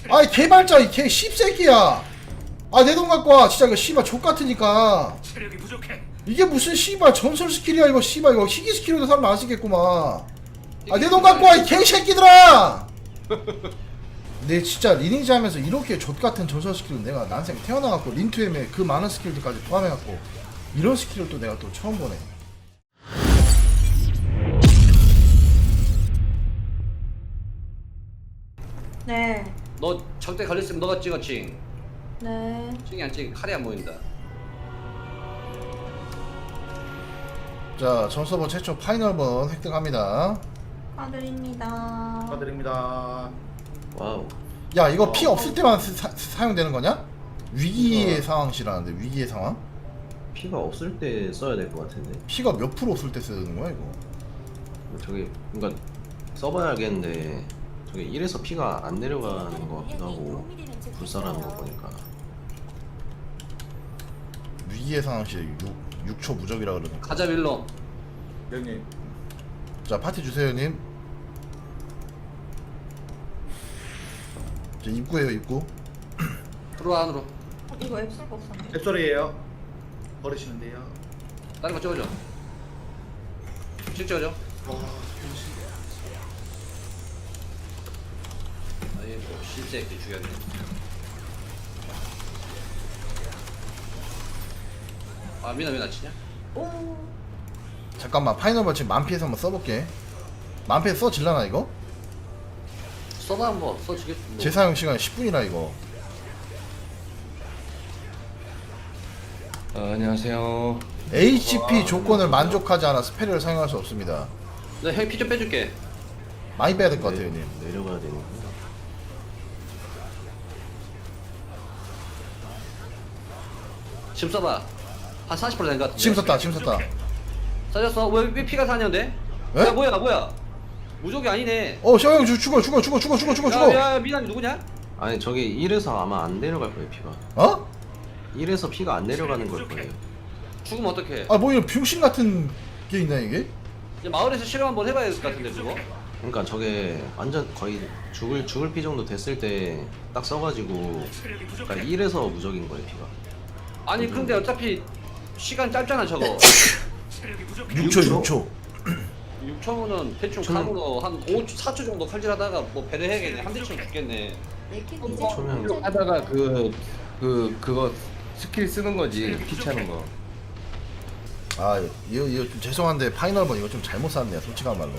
아이 개발자 이 개 씹새끼야. 아 내 돈 갖고 와. 진짜 이거 씨발 족같으니까. 체력이 부족해. 이게 무슨 씨발 전설 스킬이야 이거. 씨발 이거 희귀 스킬로도 사람 안 쓰겠구만. 아 내 돈 갖고 와 이 개새끼들아. 내 진짜 리니지 하면서 이렇게 족같은 전설 스킬은 내가 난생 태어나갖고 린투엠에 그 많은 스킬들까지 포함해갖고 이런 스킬을 또 내가 또 처음 보네. 네. 너 적대 걸렸으면 너가 찍어 칭. 네. 칭이 안 찍. 칼이 안 보인다. 자 전서버 최초 파이널번 획득합니다. 축하드립니다. 축하드립니다. 와우. 야 이거 피 없을 때만 사용되는 거냐? 위기의 상황시라는데 위기의 상황? 피가 없을 때 써야 될 것 같은데. 피가 몇 프로 없을 때 쓰는 거야 이거? 저기 그러니까 써봐야 알겠는데 저기 1에서 피가 안 내려가는 것 같기도 하고 불사라는 거 보니까. 위기의 상황시 6초 무적이라 그러는 거. 가자 빌런. 형님. 자 파티 주세요 님. 자 입구에요 입구. 들어와 안으로. 이거 앱 쓸 거 없었네. 앱소리예요. 버리시면 돼요. 다른 거 찍어줘. 찍어줘. 아예 뭐 실새끼 죽였네. 아 미나 치냐? 오. 잠깐만 파이널번 지금 만피에서 한번 써볼게. 만피에서 써질라나 이거? 써봐 한번 써주겠지. 뭐. 재사용 시간 10분이라 이거. 안녕하세요. HP 조건을 만족하지 않아 스페리를 사용할 수 없습니다. 내가 형이 피 좀 빼줄게. 많이 빼야 될 것 같아요 님. 내려가야 되는구나. 지금 써봐. 한 40%된 것 같은데. 지금 썼다 지금 썼다. 써졌어? 왜 피가 사냐는데? 에? 야 뭐야? 무적이 아니네. 셔형 죽어. 야 미나님 누구냐? 아니 저기 1에서 아마 안 내려갈 거예요 피가. 어? 1에서 피가 안 내려가는 걸 거예요. 죽으면 어떡해? 아 뭐 이런 병신 같은 게 있나 이게? 이제 마을에서 실험 한번 해봐야 될 것 같은데 그거? 그러니까 저게 완전 거의 죽을 피 정도 됐을 때 딱 써가지고 체력이 그러니까 부족해. 1에서 무적인 거예요 피가. 아니 근데 어차피 시간 짧잖아 저거. 체력이 부족해. 6초. 6초면은 대충 저는- 감으로 한 5초, 4초 정도 칼질하다가 뭐 배를 해야겠네. 한 대쯤 죽겠네. 초면 하다가 그거 스킬 쓰는 거지. 피 차는 거. 아 이거 좀 죄송한데 파이널번 이거 좀 잘못 샀네요 솔직한 말로.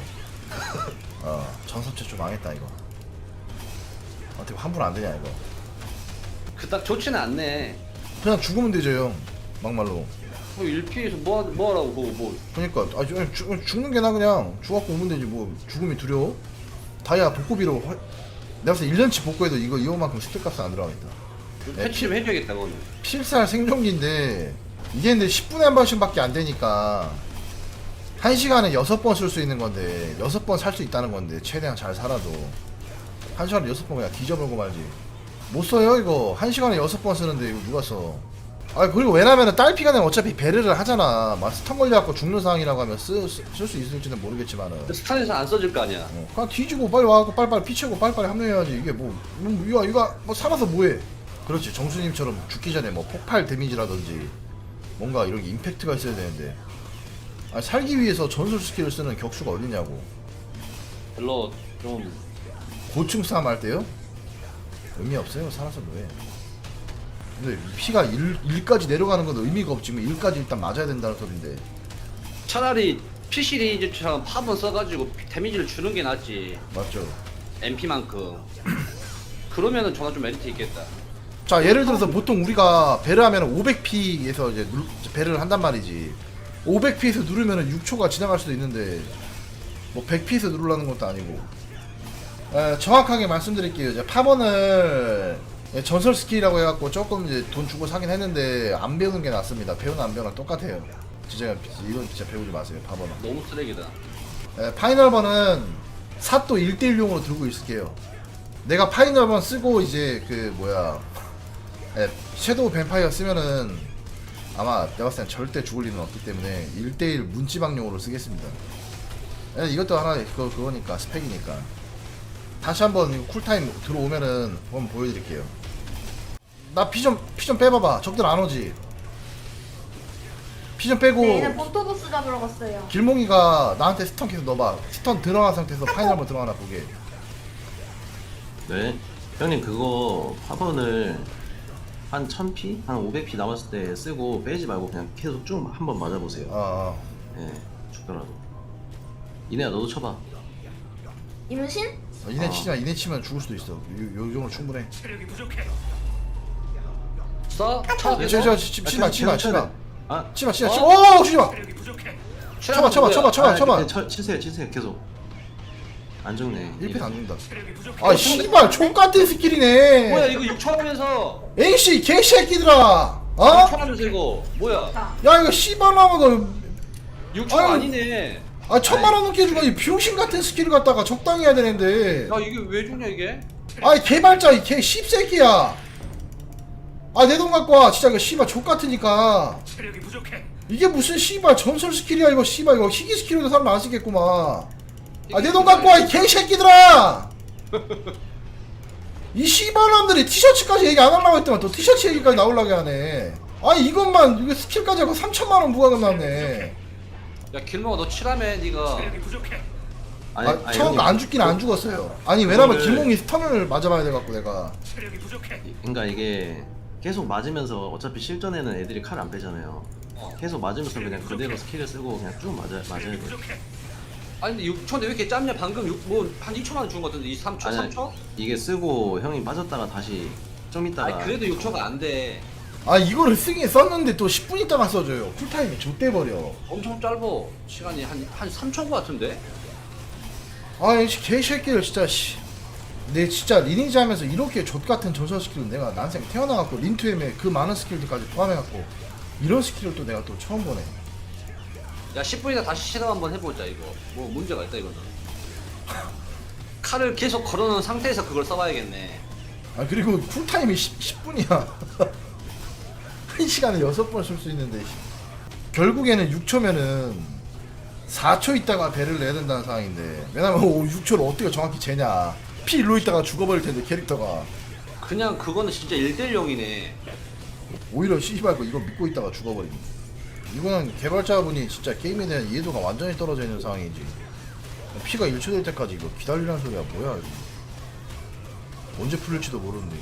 전설 최초 망했다 이거. 어떻게 환불 안 되냐 이거. 그닥 좋지는 않네. 그냥 죽으면 되죠 형. 막말로. 뭐 1피에서 뭐하라고 그거 뭐. 그러니까 죽는 게 나 그냥 죽었고 오면 되지 뭐 죽음이 두려워? 다이아 복구비로 내가 봤을 때 1년치 복구해도 이거만큼 스택값은 안 들어가겠다. 패치 좀 해줘야겠다 그거는. 필살 생존기인데 이게 근데 10분에 한 번씩밖에 안 되니까 1시간에 6번 쓸 수 있는 건데 6번 살 수 있다는 건데 최대한 잘 살아도 1시간에 6번 그냥 뒤져보고 말지. 못 써요 이거. 1시간에 6번 쓰는데 이거 누가 써. 아 그리고 왜냐면은 딸피가 되면 어차피 베르를 하잖아. 막 스턴 걸려갖고 죽는 상황이라고 하면 쓸 수 있을지는 모르겠지만은 스탄에서 안 써줄 거 아니야. 그냥 뒤지고 빨리 와갖고 빨리빨리 피치고 빨리빨리 합류해야지. 이게 이거 뭐 살아서 뭐해. 그렇지 정수님처럼 죽기 전에 뭐 폭발 데미지라든지 뭔가 이런 게 임팩트가 있어야 되는데 아니, 살기 위해서 전술 스킬을 쓰는 격수가 어딨냐고. 별로 좀 고층 싸움 할 때요? 의미 없어요. 살아서 뭐해. 근데 피가 1까지 내려가는 건 의미가 없지만 1까지 일단 맞아야 된다는 소린데. 차라리 PC 레이저처럼 팝은 써가지고 데미지를 주는 게 낫지. 맞죠. MP만큼. 그러면은 전화 좀 메리트 있겠다. 자 예를 들어서 보통 우리가 배를 하면 500p에서 이제 배를 한단 말이지. 500p에서 누르면 6초가 지나갈 수도 있는데 뭐 100p에서 누르라는 것도 아니고. 정확하게 말씀드릴게요. 이제 팝원을 전설 스킬이라고 해갖고 조금 이제 돈 주고 사긴 했는데 안 배우는 게 낫습니다. 배우는 안 배우는 똑같아요. 진짜 이건 진짜 배우지 마세요. 팝원은. 너무 쓰레기다. 파이널번은 삿도 1대1용으로 들고 있을게요. 내가 파이널번 쓰고 이제 섀도우 뱀파이어 쓰면은 아마 내가 봤을 땐 절대 죽을 일은 없기 때문에 1대1 문지방용으로 쓰겠습니다. 이것도 하나 그거니까 스펙이니까. 다시 한번 이거 쿨타임 들어오면은 한번 보여드릴게요. 나 피 좀 빼봐봐. 적들 안 오지. 피 좀 빼고 네, 얘는 본토보스 잡으러 갔어요. 길몽이가 나한테 스턴 계속 넣어봐. 스턴 들어간 상태에서 파이널 한번 들어가나 보게. 네. 형님 그거 화분을 한 1000피? 한 500피 남았을 때 쓰고 빼지 말고 그냥 계속 쭉 한번 맞아보세요. 어. 예, 죽더라도. 이내야 너도 쳐봐. 임신? 이네 치지마. 이네 치면 죽을 수도 있어. 요 정도 충분해. 체력이 부족해. 써? 쳐. 치마. 아, 치마. 어? 오, 치마. 체력이 부족해. 쳐봐. 치세요. 계속. 안 죽네. 1패 안 죽는다. 체력이 부족해. 아, 씨발, 족같은 스킬이네. 뭐야 이거 6초 하면서 AC 개새끼들아. 6초 어? 하면서 이거 뭐야? 자, 야, 이거 씨발 나가 너. 6초 아유. 아니네. 아, 1000만원 넘게 주고 이 병신 같은 스킬을 갖다가 적당히 해야 되는데. 야 이게 왜 죽냐 이게? 아이 개발자 이 개 씹새끼야. 아, 내 돈 갖고 와. 진짜 이거 씨발 족같으니까. 체력이 부족해. 이게 무슨 씨발 전설 스킬이야 이거. 씨발 이거 희귀 스킬로도 사람 안 쓰겠구만. 아, 내 돈 갖고 와 이 개새끼들아. 이 씨발놈들이 티셔츠까지 얘기 안 하려고 했더만 또 티셔츠 얘기까지 나오려고 하네. 아니 이것만 이거 스킬까지 하고 3000만원 부과금 나왔네. 야 길몽아 너 칠하면 네가 체력이 부족해. 아, 처음 안 죽긴 안 죽었어요. 아니 왜냐면 이거를- 길몽이 스턴을 맞아봐야 돼갖고 내가. 체력이 부족해. 그러니까 이게 계속 맞으면서 어차피 실전에는 애들이 칼 안 빼잖아요. 계속 맞으면서 그냥 그대로 스킬을 쓰고 그냥 쭉 맞아야 체력이 돼. 부족해. 아니 근데 6초인데 왜 이렇게 짧냐? 방금 뭐한 2초 만에 죽은 것 같은데 이 3초? 아니, 3초? 이게 쓰고 형이 빠졌다가 다시 좀 있다가. 아니 그래도 6초가 안 돼. 아 이거를 쓰긴 썼는데 또 10분 있다가 써줘요. 쿨타임이 좆돼버려. 엄청 짧어. 시간이 한 3초인 것 같은데? 아이 개새끼들 진짜 씨. 내 진짜 리니지 하면서 이렇게 족같은 전설 스킬은 내가 난생 태어나갖고 린투엠에 그 많은 스킬들까지 포함해갖고 이런 스킬을 또 내가 또 처음 보네. 야 10분이나 다시 실험 한번 해보자 이거. 뭐 문제가 있다 이거는. 칼을 계속 걸어놓은 상태에서 그걸 써봐야겠네. 아 그리고 쿨타임이 10분이야. 1시간에 6번 쓸 수 있는데 결국에는 6초면은 4초 있다가 배를 내야 된다는 상황인데 왜냐면 6초를 어떻게 정확히 재냐. 피 일로 있다가 죽어버릴 텐데 캐릭터가. 그냥 그거는 진짜 1대0이네. 오히려 씨발 이거 믿고 있다가 죽어버리네. 이거는 개발자분이 진짜 게임에 대한 이해도가 완전히 떨어져 있는 상황이지. 피가 1초 될 때까지 이거 기다리라는 소리야 뭐야 이거. 언제 풀릴지도 모르는데.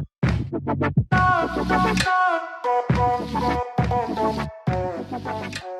Thank you.